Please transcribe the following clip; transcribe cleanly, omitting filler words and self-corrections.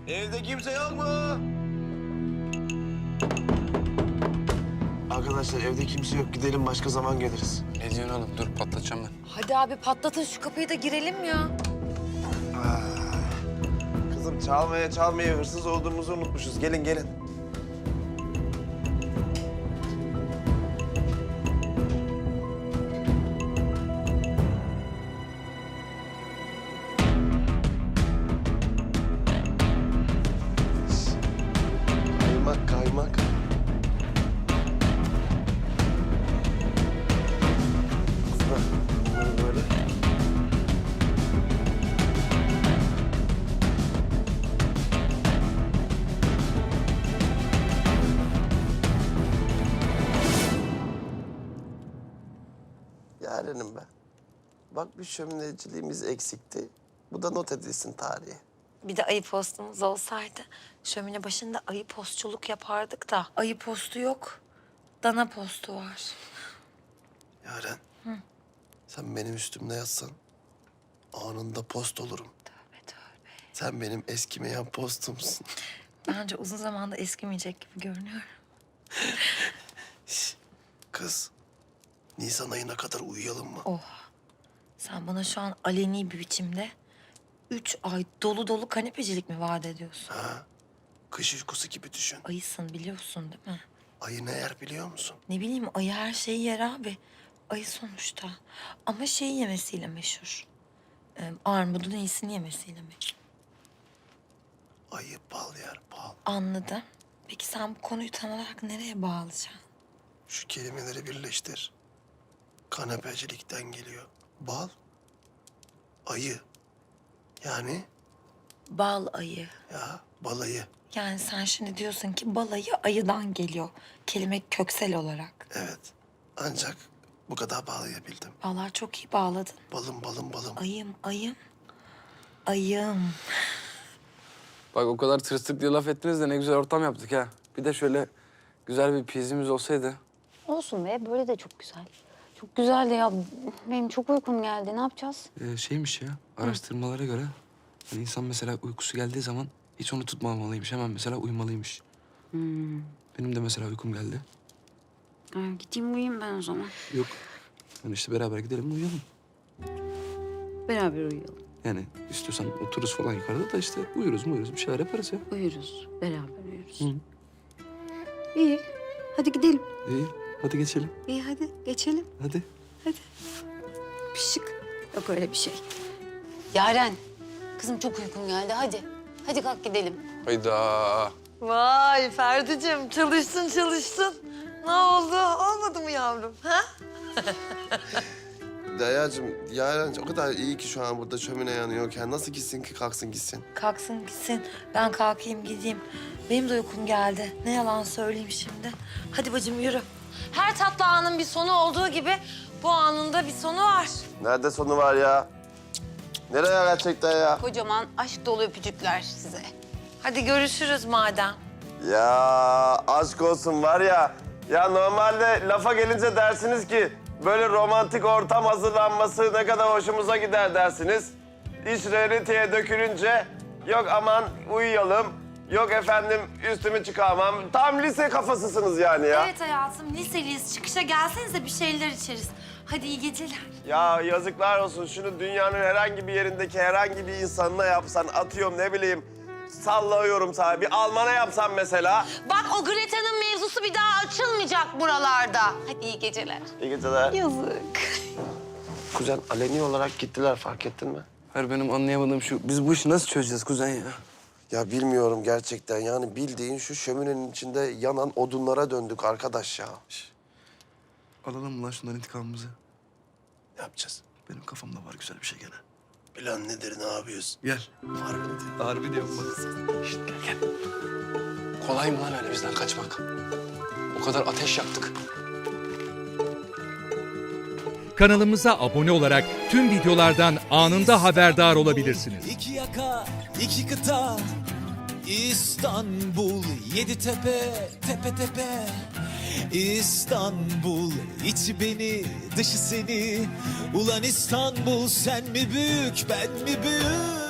Evde kimse yok mu? Arkadaşlar evde kimse yok. Gidelim başka zaman geliriz. Ne diyorsun oğlum? Dur patlatacağım ben. Hadi abi patlatın şu kapıyı da girelim ya. Kızım çalmaya hırsız olduğumuzu unutmuşuz. Gelin gelin. Kaymak. Bunları böyle. Yarenim ben. Bak bir şömineciliğimiz eksikti. Bu da not edilsin tarihe. Bir de ayı postumuz olsaydı şömine başında ayı postçuluk yapardık da ayı postu yok. Dana postu var. Yaren. Sen benim üstümde yatsan anında post olurum. Tövbe tövbe. Sen benim eskimeyen postumsun. Bence uzun zamanda eskimeyecek gibi görünüyor. Kız, Nisan ayına kadar uyuyalım mı? Oha. Sen bana şu an aleni bir biçimde 3 ay dolu dolu kanepecilik mi vaat ediyorsun? Ha? Kış uykusu gibi düşün. Ayısın biliyorsun değil mi? Ayı ne yer biliyor musun? Ne bileyim ayı her şeyi yer abi. Ayı sonuçta. Ama şeyi yemesiyle meşhur. Armudun iyisini yemesiyle meşhur. Ayı bal yer, bal. Anladım. Peki sen bu konuyu tam olarak nereye bağlayacaksın? Şu kelimeleri birleştir. Kanepecilikten geliyor. Bal, ayı. Yani Bal ayı. ya balayı. Yani sen şimdi diyorsun ki bal ayı ayıdan geliyor. Kelime köksel olarak. Evet. Ancak bu kadar bağlayabildim. Vallahi çok iyi bağladın. Balım. Ayım, ayım. Ayım. Bak o kadar tırstık diye laf ettiniz de ne güzel ortam yaptık ha. Bir de şöyle güzel bir pizimiz olsaydı. Olsun be, böyle de çok güzel. Çok güzel de ya. Benim çok uykum geldi. Ne yapacağız? Şeymiş ya, araştırmalara göre hani insan mesela uykusu geldiği zaman hiç onu tutmamalıymış. Hemen mesela uyumalıymış. Benim de mesela uykum geldi. Gideyim uyuyayım ben o zaman. Yok. Yani işte beraber gidelim uyuyalım. Beraber uyuyalım. Yani istiyorsan otururuz falan yukarıda da işte uyuruz bir şeyler yaparız ya. Uyuruz. Beraber uyuruz. Hı. İyi. Hadi gidelim. İyi, hadi geçelim. İyi hadi geçelim. Hadi. Pişik. Yok öyle bir şey. Yaren. Kızım çok uykum geldi. Hadi. Hadi kalk gidelim. Hayda. Vay Ferdi'cim çalıştın. Ne oldu? Olmadı mı yavrum? Ha? Yarencim o kadar iyi ki şu an burada şömine yanıyorken nasıl gitsin ki kalksın gitsin? Kalksın gitsin. Ben kalkayım gideyim. Benim de uykum geldi. Ne yalan söyleyeyim şimdi. Hadi bacım yürü. Her tatlı anın bir sonu olduğu gibi bu anın da bir sonu var. Nerede sonu var ya? Nereye gerçekten ya? Kocaman aşk dolu öpücükler size. Hadi görüşürüz madem. Ya aşk olsun var ya. Ya normalde lafa gelince dersiniz ki böyle romantik ortam hazırlanması ne kadar hoşumuza gider dersiniz. İş realiteye dökülünce yok aman uyuyalım, yok efendim üstümü çıkarmam. Tam lise kafasısınız yani ya. Evet hayatım liseliyiz. Çıkışa gelsenize bir şeyler içeriz. Hadi iyi geceler. Ya yazıklar olsun şunu dünyanın herhangi bir yerindeki herhangi bir insanına yapsan atıyorum ne bileyim sallıyorum sana bir Alman'a yapsan mesela. Bak o Greta'nın mevzusu bir daha açılmayacak buralarda. Hadi iyi geceler. İyi geceler. Yazık. Kuzen aleni olarak gittiler fark ettin mi? Hayır benim anlayamadığım şu, biz bu işi nasıl çözeceğiz kuzen ya? Ya bilmiyorum gerçekten yani bildiğin şu şöminenin içinde yanan odunlara döndük arkadaş ya. Alalım mı lan şunların intikamımızı? Ne yapacağız? Benim kafamda var güzel bir şey gene. Plan nedir ne yapıyoruz? Gel. Harbi diyorum bak. Şişt, gel. Kolay mı lan öyle bizden kaçmak? O kadar ateş yaktık. Kanalımıza abone olarak tüm videolardan anında haberdar olabilirsiniz. İki yaka, iki kıta, İstanbul, yedi tepe, tepe tepe. İstanbul, içi beni, dışı seni. Ulan İstanbul, sen mi büyük, ben mi büyük?